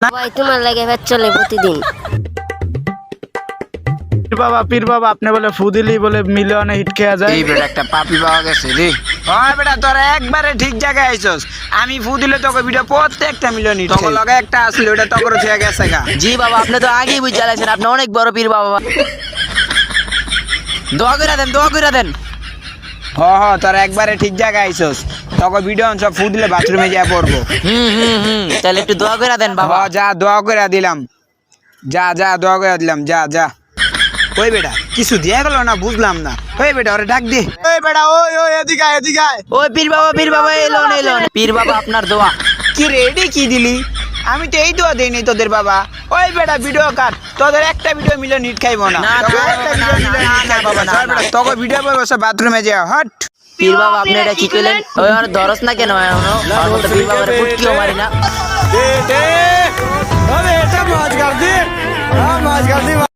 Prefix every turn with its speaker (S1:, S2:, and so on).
S1: ভাই তোমার লাগে ভেজ চলে প্রতিদিন।
S2: পীর বাবা আপনি বলে ফু দিলি বলে মিলিয়নে হিট খেয়া যায়।
S3: এই বেটা একটা পাপি পাওয়া গেছে রে।
S4: হয় বেটা তোরা একবারে ঠিক জায়গায় আইছস। আমি ফু দিলে তোকে ভিডিও প্রত্যেকটা মিলিয়ন হিট তোকে লগে একটা আসলে ওটা তোকে থেকে গেছে গা।
S3: জি বাবা আপনি তো আগেই বুঝে আছেন, আপনি অনেক বড় পীর বাবা। দোয়া করে দেন, দোয়া করে দেন।
S4: হ তোরা একবারে ঠিক জায়গায় আইছস। তোকে ভিডিও সব ফু দিলে বাথরুমে যা পড়বো।
S3: তাহলে একটু দোয়া করে দেন বাবা।
S4: যা দোয়া করে দিলাম, যা দোয়া করে দিলাম, যা ওই বেটা কিছু দিয়ে গেল না বুঝলাম না। ওই বেটা ওরে ডাক দে। ওই বেটা ওই এদিকে আয়।
S3: ওই পীর বাবা এলো পীর বাবা আপনার দোয়া।
S4: কি রে এডি কি দিলি? আমি তো এই দোয়া দেইনি তোদের বাবা। ওই বেটা ভিডিও কাট, তোদের একটা ভিডিও মিলিয়ন হিট খাইবো না। তোকে ভিডিও পাবো সব বাথরুমে যা হট।
S3: পীর বাবা আপনি এটা কি কইলেন? ওই আর ধরস না কেন এখনো? আর তো পীর বাবার ফুটকিও মারি না।
S4: এটা মাছ গার দি।